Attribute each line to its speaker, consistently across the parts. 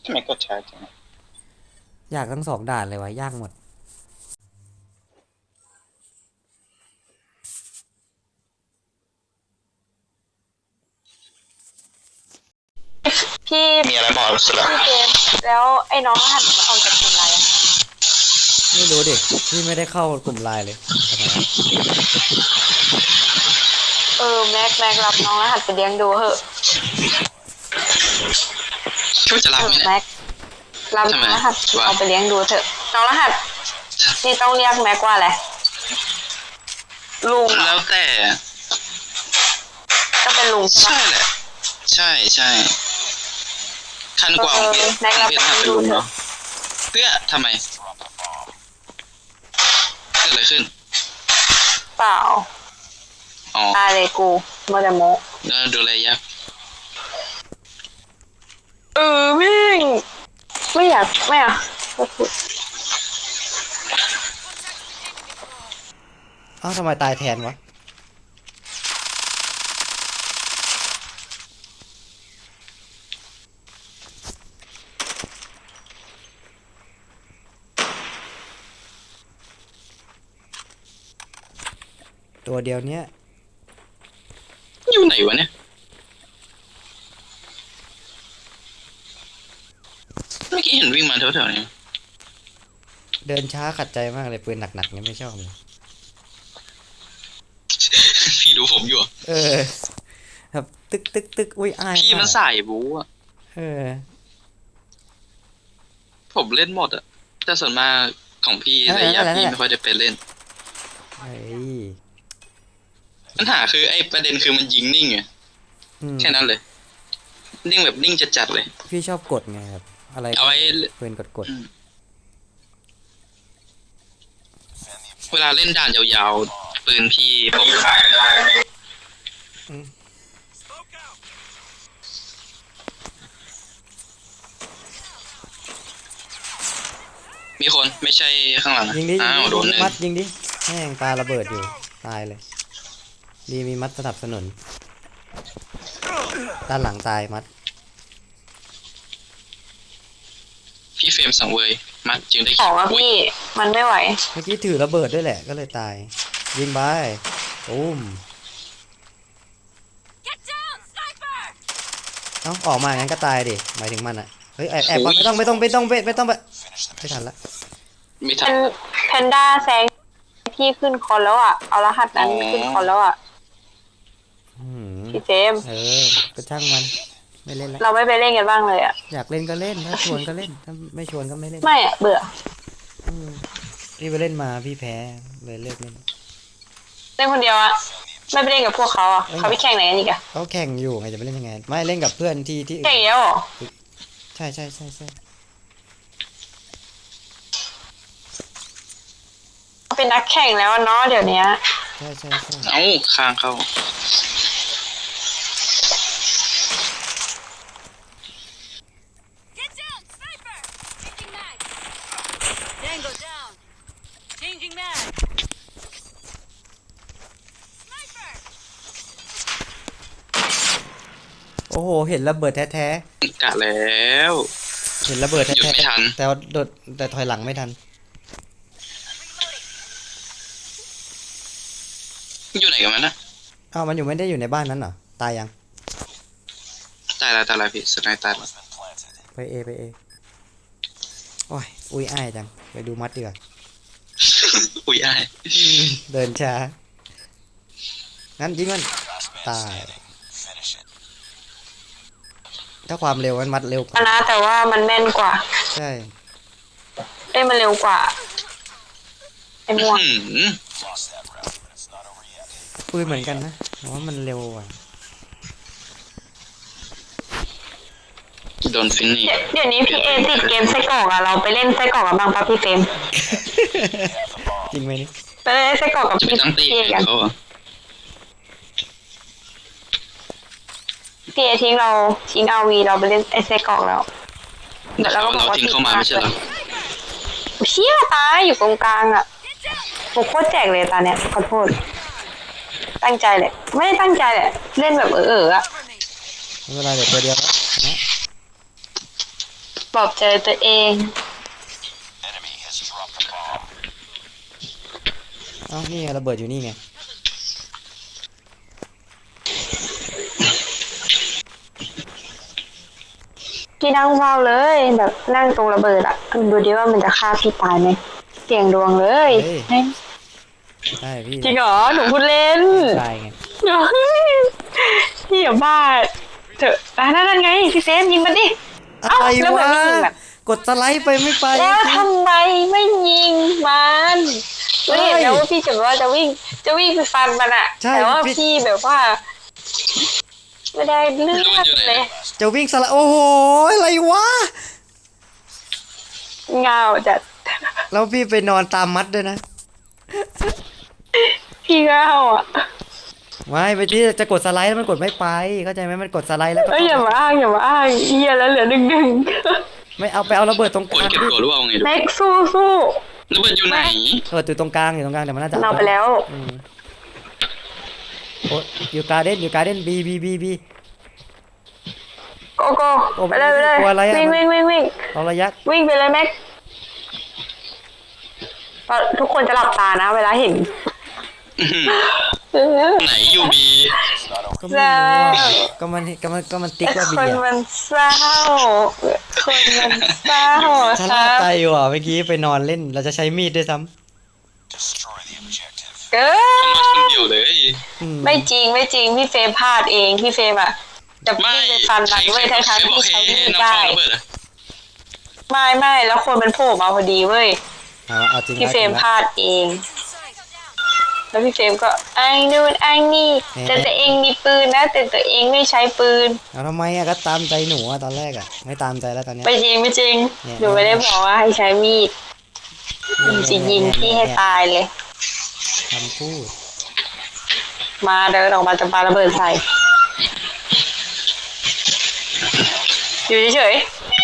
Speaker 1: ทำไมกดช้าจัง
Speaker 2: ยากทั้งสองด่านเลยวะยากหมด
Speaker 3: พี่
Speaker 1: มีอะไรบอกสุดละ
Speaker 3: พี่เจมส์แล้วไอ้น้องรหัสมันออกจากกลุ่มไลน์อะ
Speaker 2: ไม่รู้ดิพี่ไม่ได้เข้ากลุ่มไลน์เลยทำไมวะ
Speaker 3: แม็กรับน้องรหัสไปเลี้ยงดูเหอะ
Speaker 1: ช่วยจะรับไหมเนี่ย
Speaker 3: แม็กรับน้องรหัสเอาไปเลี้ยงดูเถอะน้องรหัสนี่ต้องเรียกแม็กว่าอะไรลุงเหรอ
Speaker 1: แล้วแต่
Speaker 3: ก็เป็นลุงใช่ปะ
Speaker 1: ใช่แหละใช่ใช่ขั้นกว่าของเพชร
Speaker 3: แม็กรับ
Speaker 1: ถ้าเป็นลุง
Speaker 3: ดูเถอะ
Speaker 1: เนาะเพื่อทำไมเกิดอะไรขึ้น
Speaker 3: เปล่า
Speaker 1: อ๋อ
Speaker 3: ตายเลยกูโมเดโม
Speaker 1: แล้วดูแลยาก
Speaker 3: แม่งไม่อยากไม่อะไม่พูด
Speaker 2: เอ้าทำไมตายแทนวะตัวเดียวเนี้ย
Speaker 1: อยู่ไหนวะเนี่ยเมื่อกี้เห็นวิ่งมาแถวๆนี้
Speaker 2: เดินช้าขัดใจมากเลยปืนหนักๆนี่ไม่ชอบเลย
Speaker 1: พี่ดูผมอยู่อะ
Speaker 2: เออแบบตึกอุ้ยอาย
Speaker 1: พี่มัน
Speaker 2: มาก
Speaker 1: สายบู๊อะ
Speaker 2: เออ
Speaker 1: ผมเล่นหมดอะแต่ส่วนมากของพี่ระยะพี่ไม่ค่อยได้ไปเล่น
Speaker 2: เฮ้ย
Speaker 1: ปัญหาคือไอ้ประเด็นคือมันยิงนิ่งไงแค่นั้นเลยนิ่งแบบนิ่งจัดๆเลย
Speaker 2: พี่ชอบกดไงครับอะไร
Speaker 1: เอาไว้
Speaker 2: ปืนกด
Speaker 1: เวลาเล่นด่านยาวๆปืนพี่ผมมีคนไม่ใช่ข้างหลัง
Speaker 2: ยิงดิ
Speaker 1: อ้าวโดนเลย
Speaker 2: มัดยิงดิแม่งปาระเบิดอยู่ตายเลยดีมีมัดสนับสนุนด้านหลังตายมัด
Speaker 1: พี่เฟรมสังเวยมัดจึงได้
Speaker 3: บอกว่าพี่มันไม่ไหว
Speaker 2: เมื่อกี้ถือระเบิดด้วยแหละก็เลยตายยิงไปตุ้มเอ้าออกมางั้นก็ตายดิหมายถึงมันอะเฮ้ยแอบก่อนไม่ต้องไปไม่ทันละ
Speaker 1: ไม่ทัน
Speaker 3: แพนด้าแซงพี่ขึ้นคอนแล้วอ่ะเอารหัสนั้นขึ้นคอนแล้วอ่ะพี่เจมส์
Speaker 2: ก็ช่างมันไม่เล่นแล้ว
Speaker 3: เราไม่ไปเล่นกันบ้างเลยอ่ะ
Speaker 2: อยากเล่นก็เล่นถ้าชวนก็เล่นถ้าไม่ชวนก็ไม่เล่น
Speaker 3: ไม่อ่ะเบื่อ
Speaker 2: พี่ไปเล่นมาพี่แพ้เลยเลิกเล่น
Speaker 3: เล่นคนเดียวอ่ะไม่ไปเล่นกับพวกเขาอ่ะเขาไปแข่งไหนกันอีกอ่ะ
Speaker 2: เขาแข่งอยู่ไงจะไปเล่นยังไงไม่เล่นกับเพื่อนที่
Speaker 3: แข่งเยอะหรอ
Speaker 2: ใช่
Speaker 3: เป็นนักแข่งแล้วเนาะเดี๋ยวนี้
Speaker 2: ใช่
Speaker 1: เอ้าค้างเข้า
Speaker 2: โอ้โหเห็นระเบิดแท้
Speaker 1: กะแล้ว
Speaker 2: เห็นระเบิด
Speaker 1: หยุด
Speaker 2: แท้
Speaker 1: ไม่ทัน
Speaker 2: แต่โดดแต่ถอยหลังไม่ทัน
Speaker 1: อยู่ไหนกันมันนะ
Speaker 2: อ้าวมันไม่ได้อยู่ในบ้านนั้นเหรอตายยัง
Speaker 1: ตายแล้วพี่สุดท้ายตายแล้ว
Speaker 2: ไปเอโอ้ยอุ้ยอ้ายจังไปดูมัดดีกว่า
Speaker 1: อุ้ยอ้าย
Speaker 2: เดินช้างั้นยิงมันตายถ้าความเร็วมันมัดเร็วกว่า
Speaker 3: นะแต่ว่ามันแม่นกว่า
Speaker 2: ใช่
Speaker 3: มันเร็วกว่าไอ้ม่วง
Speaker 2: ปืนเหมือนกันนะแต่ว่ามันเร็วกว่า
Speaker 1: โดนฟินนี่
Speaker 3: เดี๋ยวนี้พี่เอติดเกมไส้กรอกอะเราไปเล่นไส้กรอกกับบ้างปะพี่เฟรม
Speaker 2: จริงไหมนี่
Speaker 3: ไปเล่นไส้กรอกกับพี่กันพี่เอทิ้งเอาวีเราไปเล่นไอไส้กรอกแล้ว
Speaker 1: เดี๋ยวเราก็บอกว่าทิ้งเข้ามาไม่ใช่เหรอ
Speaker 3: เชี่ยตายอยู่ตรงกลางอะผมโคตรแจกเลยตาเนี้ยขอโทษตั้งใจเลยไม่ได้ตั้งใจแหละเล่นแบบอะ
Speaker 2: เวลาเดี๋ยวตัวเดียวแล้วนะ
Speaker 3: บปลอบใจตัวเอง
Speaker 2: เอ้านี่ไงระเบิดอยู่นี่ไง
Speaker 3: พี่นั่งเฝ้าเลยแบบนั่งตรงระเบิดอะดูดิว่ามันจะฆ่าพี่ตายไหมเสี่ยงดวงเลย
Speaker 2: เฮ้ยได้พี่
Speaker 3: จริงเหรอหนูพูดเล่น
Speaker 2: ได้ไง
Speaker 3: พี่อย่าบ้าเถอะนั่นไงพี่เซมยิงมันดิ
Speaker 2: อะไร
Speaker 3: แล้ว
Speaker 2: วะ
Speaker 3: มันไม่ยิงแบบ
Speaker 2: กดสไลด์ไปไม่ไป
Speaker 3: แล้วทำไมไม่ยิงมันไม่เห็นแล้วว่าพี่จะว่าจะวิ่งไปฟันมันอะแต่ว่าพี่แบบว่า ไม่ได้เลือดเลย
Speaker 2: จะวิ่งสไลด์โอ้โหอะไรวะ
Speaker 3: เงาจัด
Speaker 2: แล้วพี่ไปนอนตามมัดด้วยนะ
Speaker 3: พี่เงาอ่ะ
Speaker 2: ไม่ไปที่จะกดสไลด์แล้วมันกดไม่ไปเข้าใจไหมมันกดสไลด์แล้วก็
Speaker 3: อย่ามาอ้างเฮียแล้วเหลือหนึ่ง
Speaker 2: ไม่เอาไปเอาระเบิดตรงก
Speaker 1: กด
Speaker 2: ลาง
Speaker 1: เก็บ
Speaker 2: ดิ
Speaker 1: ตัวหรือเปล่าไงดู
Speaker 3: แม็กสู้
Speaker 1: ระเบิดอยู่ไหน
Speaker 2: ระเบิดอยู่ตรงกลางแต่มันน่าจะ
Speaker 3: เราไปแล้ว
Speaker 2: อืมโอ้อยู่การ์เด้นบี
Speaker 3: โกไปเลย
Speaker 2: กลัวอะไรอะ
Speaker 3: วิ่ง
Speaker 2: เอาระยะ
Speaker 3: วิ่งไปเลยแม็กทุกคนจะหลับตานะเวลาเห็น
Speaker 1: ไหนยูบี
Speaker 2: ก็ไม่รู้อะก็มันติ๊กว่าบี
Speaker 3: คน
Speaker 2: อะ
Speaker 3: มันเศร้าคนมันเศร้า
Speaker 2: ชะ
Speaker 3: ค
Speaker 2: ล่า
Speaker 3: รับ
Speaker 2: ใจว่ะเมื่อกี้ไปนอนเล่นเราจะใช้มีดด้วยซ้
Speaker 3: เกิ
Speaker 1: คน
Speaker 3: น
Speaker 1: เดียวเลย
Speaker 2: ำอืม
Speaker 3: ไม่จริงพี่เฟรมพลาดเองพี่เฟรมอะจะวิ่งไปฟันมันเว้ยทั้งที่ใช้มีดได้ไม่แล้วคนมันโผล่มาพอดีเว้ย
Speaker 2: เอาจริง
Speaker 3: พี่เฟรม
Speaker 2: แล้ว
Speaker 3: พลาดเอง แล้วพี่เฟรมก็ไอ้นู่นไอ้นี่แต่ตัวเองมีปืนนะแต่ตัวเองไม่ใช้ปืน
Speaker 2: เอาทำไมอะก็ตามใจหนูอะตอนแรกอะไม่ตามใจแล้วตอนเนี้ย
Speaker 3: ไม่จริง
Speaker 2: เนี่ย
Speaker 3: หนูไม่ได้บอกว่าให้ใช้มีดหนูจะยิงพี่ให้ตายเลย
Speaker 2: คำพูด
Speaker 3: มาเดินออกมาจะปาระเบิดใส่อยู่เฉย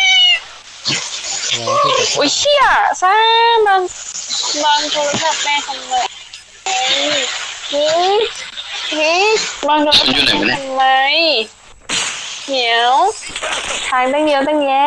Speaker 2: แล้วพูดกับ
Speaker 3: ๆอุ้ยเชี่ยซ่าบางโทรศัพท์แม่ทำไมเฮ้ยบางโทรศัพท์ทำไมเหี่ยวทางตั้งเยอะตั้งแยะ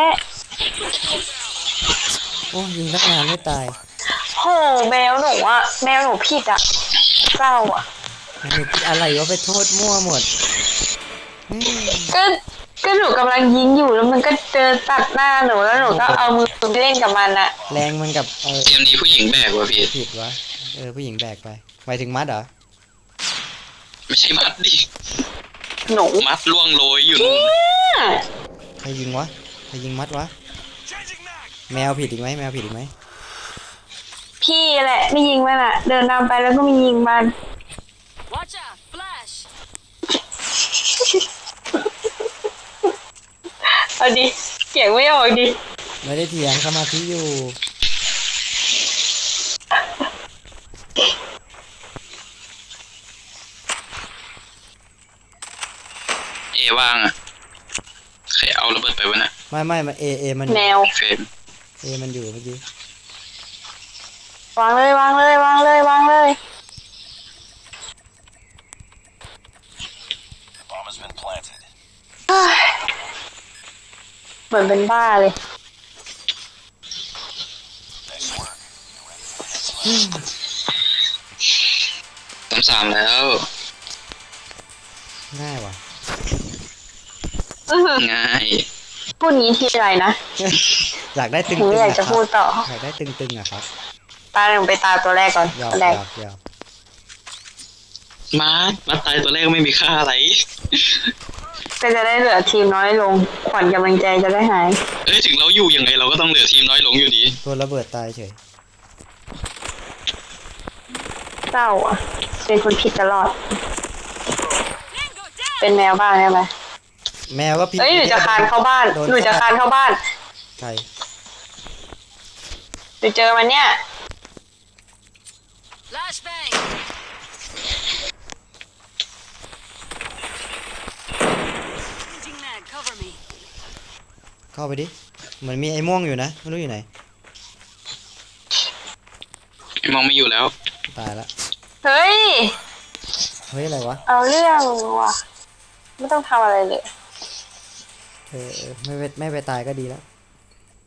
Speaker 2: โอ้ยิงตั้งนานไม่ตาย
Speaker 3: โหแมวหนูอะแมวหนูผิดอะเศร้าอะ
Speaker 2: มันมีอะไรวะไปโทษมั่วหมดอืม
Speaker 3: ก็หนูกำลังยิงอยู่แล้วมันก็เจอตัดหน้าหนูแล้วหนูก็เอามือไปเล่นกับมันอะ
Speaker 2: แรงมันกับ
Speaker 1: เกมนี้ผู้หญิงแบกว่ะพี่
Speaker 2: ผิดวะผู้หญิงแบกไปหมายถึงมัดเหรอ
Speaker 1: ไม่ใช่มัดดิ
Speaker 3: หนู
Speaker 1: มัดล่วงโรยอยู่นู่น
Speaker 2: ใครยิงวะใครยิงมัดวะแมวผิดอีกไหม
Speaker 3: พี่แหละไม่ยิงมันอะเดินตามไปแล้วก็ไม่ยิงมัน
Speaker 4: Watch out! Flash!
Speaker 3: เอาดิเสียงไม่ออกดิ
Speaker 2: ไม่ได้เถียงสมาธิอยู่
Speaker 1: เอว่างอ่ะใครเอาระเบิดไปวะน่ะ
Speaker 2: ไม่มันมัน
Speaker 3: แมว
Speaker 1: เฟรม
Speaker 2: มันอยู่เมื่อกี้
Speaker 3: วางเลย เหมือนเป็นบ้าเลย
Speaker 1: 3แล้ว
Speaker 2: ง่ายว่ะ
Speaker 1: ง่าย
Speaker 3: พูดงี้ทีไรนะ
Speaker 2: อยากได้ตึง
Speaker 3: หนู
Speaker 2: ๆ
Speaker 3: อยากจะพูดต่อ
Speaker 2: อยากได้ตึงๆอะครับ
Speaker 3: ตาหนึ่งไปตาตัวแรกก่อน
Speaker 2: หยอก
Speaker 3: ตัวแรก
Speaker 1: มัดตายตัวแรกไม่มีค่าอะไร
Speaker 3: ก็จะได้เหลือทีมน้อยลง ขวัญกำลังใจจะได้หาย
Speaker 1: เอ้ยถึงเราอยู่ยังไงเราก็ต้องเหลือทีมน้อยลงอยู่ดี
Speaker 2: ตัวระเบิดตายเฉย
Speaker 3: เศร้าอ่ะ เป็นคนผิดตลอด เป็นแมวบ้างใช่ไหม
Speaker 2: แมวก็ผิด
Speaker 3: เอ้ยหนูจะคานเข้าบ้าน
Speaker 2: โด
Speaker 3: หนูจะคานเข้าบ้าน
Speaker 2: ใคร
Speaker 3: หนูเจอมันเนี่ย
Speaker 4: Flashbang! Changing mag, cover me.
Speaker 2: เข้าไปดิเหมือนมีไอ้ม่วงอยู่นะไม่รู้อยู่ไหน
Speaker 1: มองไม่อยู่แล้ว
Speaker 2: ตายละ
Speaker 3: เฮ้ย
Speaker 2: เฮ้ยอะไรวะ
Speaker 3: เอาเรื่องว่ะ ไม่ต้องทำอะไรเลย
Speaker 2: ไม่ไปตายก็ดีแล้ว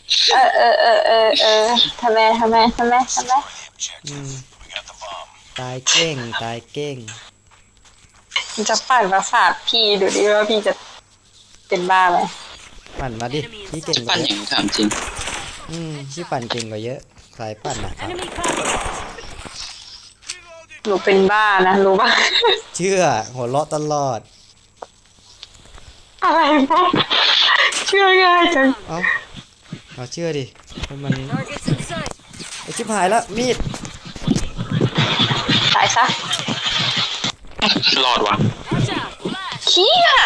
Speaker 3: ทำไม
Speaker 2: อืมตายเก้งตายเก้ง
Speaker 3: จะปั่นประสาทพี่ดูดิว่าพี่จะเป็นบ้าไหม
Speaker 2: ปั่นมาดิพี่เก่งก
Speaker 1: ปั้
Speaker 2: ว่าน เย
Speaker 1: อย่า
Speaker 2: อะ
Speaker 1: งถามจริง
Speaker 2: พี่ปั่นเก่งกว่าเยอะสายปั่นอะครับ
Speaker 4: Enemy cover.
Speaker 3: หนูเป็นบ้านะรู้ป่ะ
Speaker 2: เชื่อหัวเราะตลอด
Speaker 3: อะไรพวกเชื่อง่ายจัง
Speaker 2: เอาเชื่อดิมัน
Speaker 4: Targets in sight.
Speaker 2: ไอชิบหายแล้วมีด
Speaker 3: ตายซะ
Speaker 1: รอดวะ
Speaker 4: Watch out. Flash.
Speaker 3: เขี้ย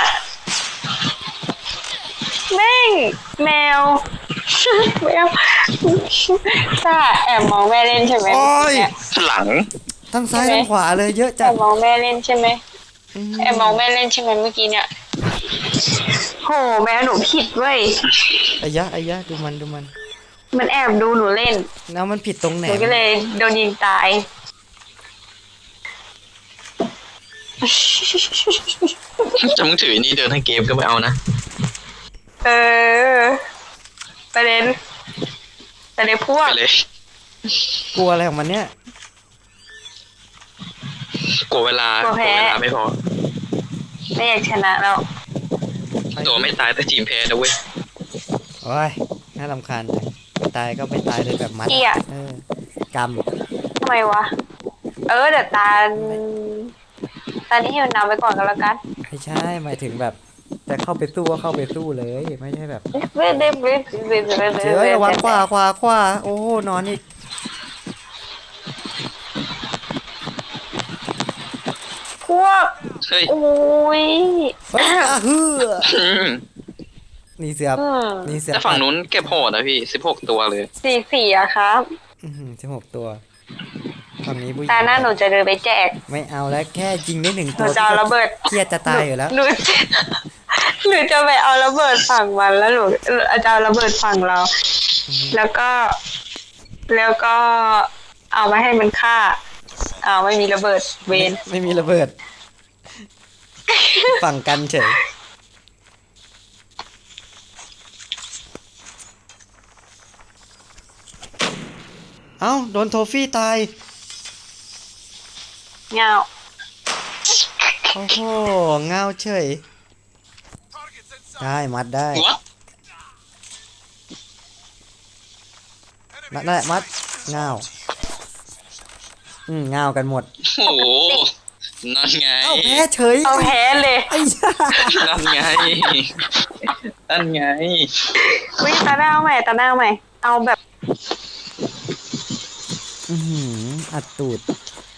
Speaker 3: แม่งแมว แมวจ้าแอบมองแม่เล่นใช่ไหม
Speaker 2: โอ้ย
Speaker 3: เนี่ย
Speaker 1: หลัง
Speaker 2: ทั้งซ้ายทั้งขวาเลยเยอะ
Speaker 3: แอ
Speaker 2: จัด
Speaker 3: บมองแม่เล่นใช่ไหม
Speaker 2: อืม
Speaker 3: แอบมองแม่เล่นใช่ไหมเมื่อกี้เนี่ยโหแมวหนูผิดเว้ย
Speaker 2: ไอ้ยะดูมัน
Speaker 3: มันแอบดูหนูเล่น
Speaker 2: แล้วมันผิดตรงไหน
Speaker 3: หนูก็เลยโดนยิงตาย
Speaker 1: จะมึงถือนี่เดินทั้งเกมก็ไม่เอานะ
Speaker 3: เออประเด็นพว
Speaker 1: ไป
Speaker 3: ก
Speaker 1: เลย
Speaker 2: กลัวอะไรของมันเนี่ย
Speaker 1: กลัวเวลไม่พอ
Speaker 3: ไม่อยากชนะแล้ว
Speaker 1: ตัวไม่ตายแต่ทีมแพ้นะเว้ย
Speaker 2: โอ้ยน่ารำคาญจังไม่ตายก็ไม่ตายเลยแบบมัด
Speaker 3: เหี้ย
Speaker 2: กรรม
Speaker 3: ทำไมวะ เดี๋ยวตานี้ให้มันนำไปก่อนก็แล้วกัน
Speaker 2: ไม่ใช่หมายถึงแบบจะเข้าไปสู้ก็เข้าไปสู้เลยไม่ใช่แบบเจอระวังขวาโอ้โหนอนอีก
Speaker 3: พวก
Speaker 1: เฮ้ย
Speaker 3: โอ้ย
Speaker 2: เฮ้ยฮือ
Speaker 1: อืม
Speaker 2: นี่เสือ นี่เสือ
Speaker 1: แต่ฝั่งนู้นเก็บโหดนะพี่16 ตัวเลย
Speaker 3: สี่อะครับ
Speaker 2: 16 ตัวฝั่งนี้ผู้หญิง
Speaker 3: ตาหน้าหนูจะเดินไปแจก
Speaker 2: ไม่เอาแล้วแค่ยิงได้1
Speaker 3: ห
Speaker 2: ตั
Speaker 3: นู
Speaker 2: ว
Speaker 3: จะเอาระเบิด
Speaker 2: เครียดจะตายอยู่แล้ว
Speaker 3: หนูจะไปเอาระเบิดฝั่งมันแล้วหนูจะเอาระเบิดฝั่งเรา แล้วก็เอามาให้มันฆ่าไม่มีระเบิดเวน
Speaker 2: ไม่มีระเบิด ฝั่งกันเฉยเอ้าโดนโทฟี่ตาย
Speaker 3: เงา
Speaker 2: โอ้โหเงาเฉยได้มัดได้
Speaker 1: วะ
Speaker 2: มัดได้มัดเงาเงากันหมด
Speaker 1: โอ้โหนั่นไง
Speaker 2: เอ้าแพ้เฉย
Speaker 3: เอาแพ้เลย
Speaker 2: ไอ้ย่า
Speaker 1: นั่นไงนั่นไง
Speaker 3: วิ่งตาหน้าเอาใหม่เอาแบบ
Speaker 2: อัดตูด